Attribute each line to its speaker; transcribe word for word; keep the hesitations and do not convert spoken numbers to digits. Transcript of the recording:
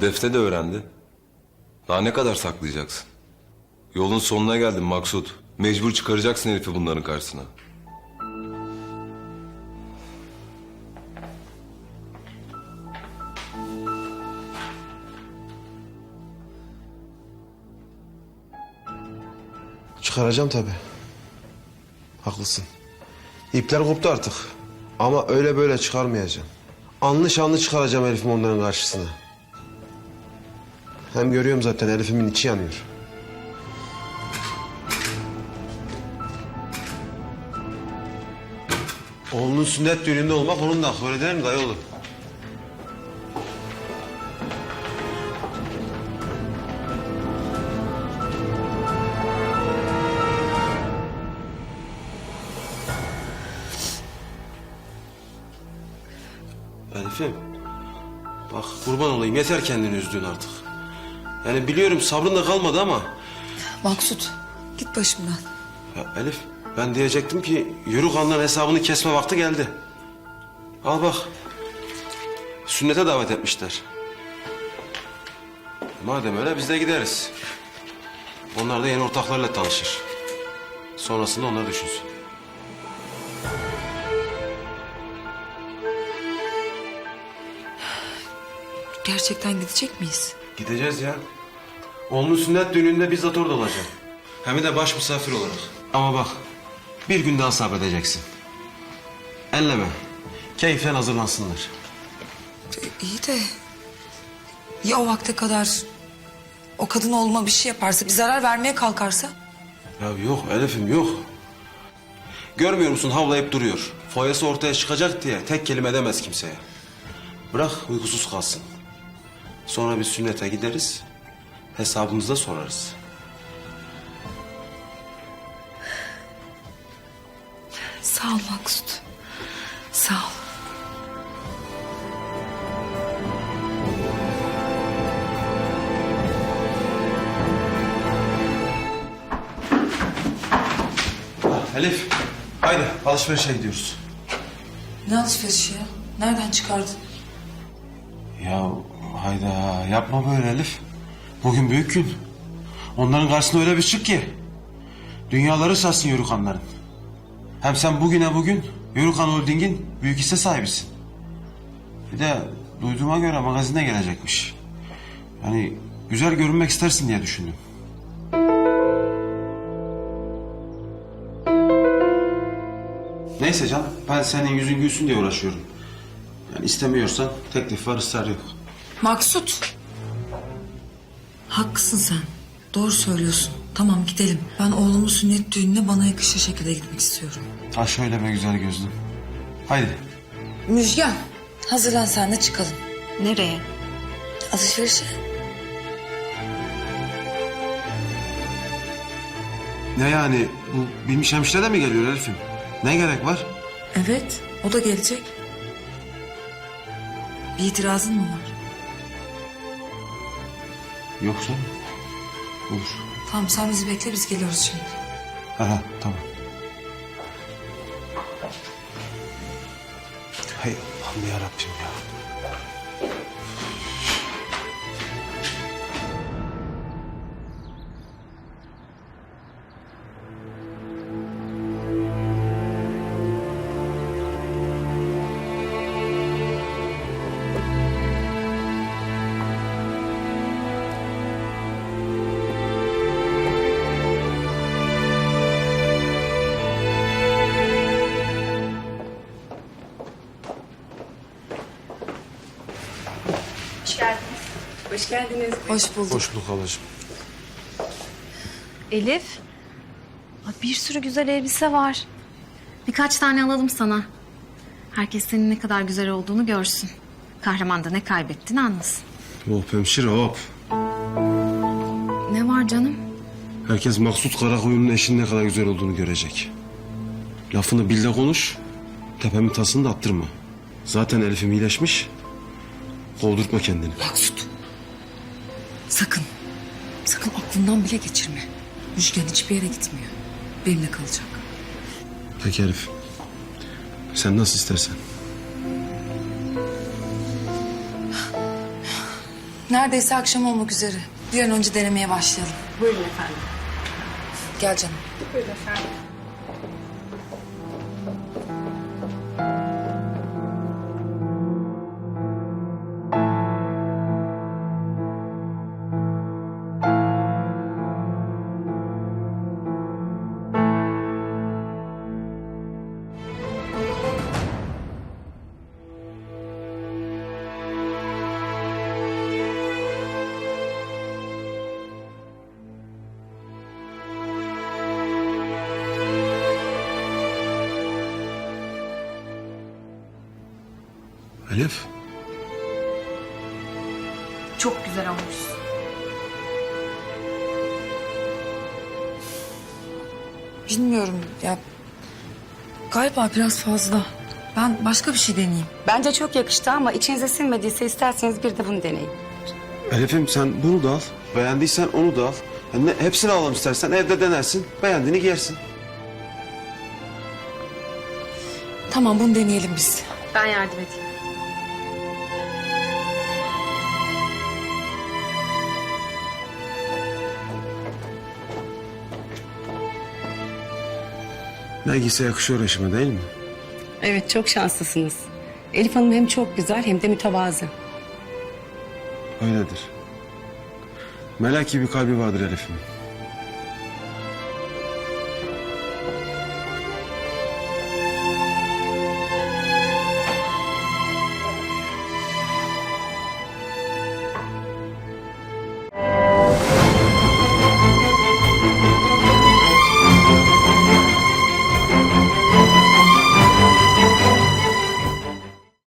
Speaker 1: Defne de öğrendi. Daha ne kadar saklayacaksın? Yolun sonuna geldin Maksut. Mecbur çıkaracaksın Elif'i bunların karşısına.
Speaker 2: Çıkaracağım tabii. Haklısın. İpler koptu artık. Ama öyle böyle çıkarmayacağım. Anlı şanlı çıkaracağım Elif'imi onların karşısına. Hem görüyorum zaten Elif'imin içi yanıyor. Oğlunun sünnet düğününde olmak onun da hakkı, öyle değil mi dayıoğlu? Elif'im, bak kurban olayım, yeter kendini üzdüğün artık. Yani biliyorum sabrın da kalmadı ama...
Speaker 3: Maksut, git başımdan.
Speaker 2: Ya Elif, ben diyecektim ki yürü kanların hesabını kesme vakti geldi. Al bak, sünnete davet etmişler. Madem öyle biz de gideriz. Onlar da yeni ortaklarıyla tanışır. Sonrasında onlar düşünsün.
Speaker 3: Gerçekten gidecek miyiz?
Speaker 2: Gideceğiz ya. Oğlunun sünnet düğününde bizzat orada olacağım. Hem de baş misafir olarak. Ama bak, bir gün daha sabredeceksin. Elleme. Keyiflen hazırlansınlar.
Speaker 3: İyi de... Ya o vakte kadar... O kadın oğluma bir şey yaparsa, bir zarar vermeye kalkarsa?
Speaker 2: Ya yok Elif'im yok. Görmüyor musun havlayıp duruyor. Foyası ortaya çıkacak diye tek kelime demez kimseye. Bırak uykusuz kalsın. Sonra biz sünnete gideriz. Hesabımızı da sorarız.
Speaker 3: Sağ ol Maksut. Sağ ol.
Speaker 2: Ah, Elif, haydi alışverişe gidiyoruz.
Speaker 3: Ne alışverişi ya? Nereden çıkardın?
Speaker 2: Ya hayda yapma böyle Elif. Bugün büyük gün. Onların karşısına öyle bir çık ki. Dünyaları sarsın Yörükanların. Hem sen bugüne bugün Yörükan Holding'in büyük hisse sahibisin. Bir de duyduğuma göre magazine gelecekmiş. Yani güzel görünmek istersin diye düşündüm. Neyse canım, ben senin yüzün gülsün diye uğraşıyorum. Yani istemiyorsan teklif var, ısrar yok.
Speaker 3: Maksut. Haklısın sen. Doğru söylüyorsun. Tamam gidelim. Ben oğlumun sünnet düğününe bana yakışır şekilde gitmek istiyorum.
Speaker 2: Ha şöyle be güzel gözlüm. Haydi.
Speaker 3: Müjgan, hazırlan sen de çıkalım.
Speaker 4: Nereye?
Speaker 3: Alışverişe.
Speaker 2: Ne yani, bu bilmiş hemşire de mi geliyor Elif'im? Ne gerek var?
Speaker 3: Evet, o da gelecek. Bir itirazın mı var?
Speaker 2: Yoksa olur.
Speaker 3: Tamam sen bizi bekle, biz geliyoruz şimdi.
Speaker 2: Aha tamam. Hay Allah'ım yarabbim ya.
Speaker 4: Hoş geldiniz.
Speaker 3: Hoş bulduk.
Speaker 2: Hoş bulduk halacığım.
Speaker 4: Elif. Ay, bir sürü güzel elbise var. Birkaç tane alalım sana. Herkes senin ne kadar güzel olduğunu görsün. Kahraman da ne kaybettiğini anlasın.
Speaker 2: Hop hemşire hop.
Speaker 4: Ne var canım?
Speaker 2: Herkes Maksut Karakoyun'un eşinin ne kadar güzel olduğunu görecek. Lafını bil de konuş. Tepemin tasını da attırma. Zaten Elif'im iyileşmiş. Kovdurtma kendini.
Speaker 3: Maksut. Sakın. Sakın aklından bile geçirme. Müjgan hiçbir yere gitmiyor. Benimle kalacak.
Speaker 2: Peki Elif. Sen nasıl istersen.
Speaker 3: Neredeyse akşam olmak üzere. Bir an önce denemeye başlayalım.
Speaker 5: Buyurun efendim.
Speaker 3: Gel canım.
Speaker 5: Buyurun efendim.
Speaker 2: Elif.
Speaker 4: Çok güzel olmuş.
Speaker 3: Bilmiyorum ya. Galiba biraz fazla. Ben başka bir şey deneyeyim.
Speaker 5: Bence çok yakıştı ama içinize sinmediyse isterseniz bir de bunu deneyin.
Speaker 2: Elif'im sen bunu da al. Beğendiysen onu da al. Yani ne- hepsini alalım istersen evde denersin. Beğendiğini giyersin.
Speaker 3: Tamam bunu deneyelim biz.
Speaker 4: Ben yardım edeyim.
Speaker 2: Ne giyse yakışıyor eşime değil mi?
Speaker 5: Evet, çok şanslısınız. Elif Hanım hem çok güzel hem de mütevazı.
Speaker 2: Öyledir. Melek gibi kalbi vardır Elif'im.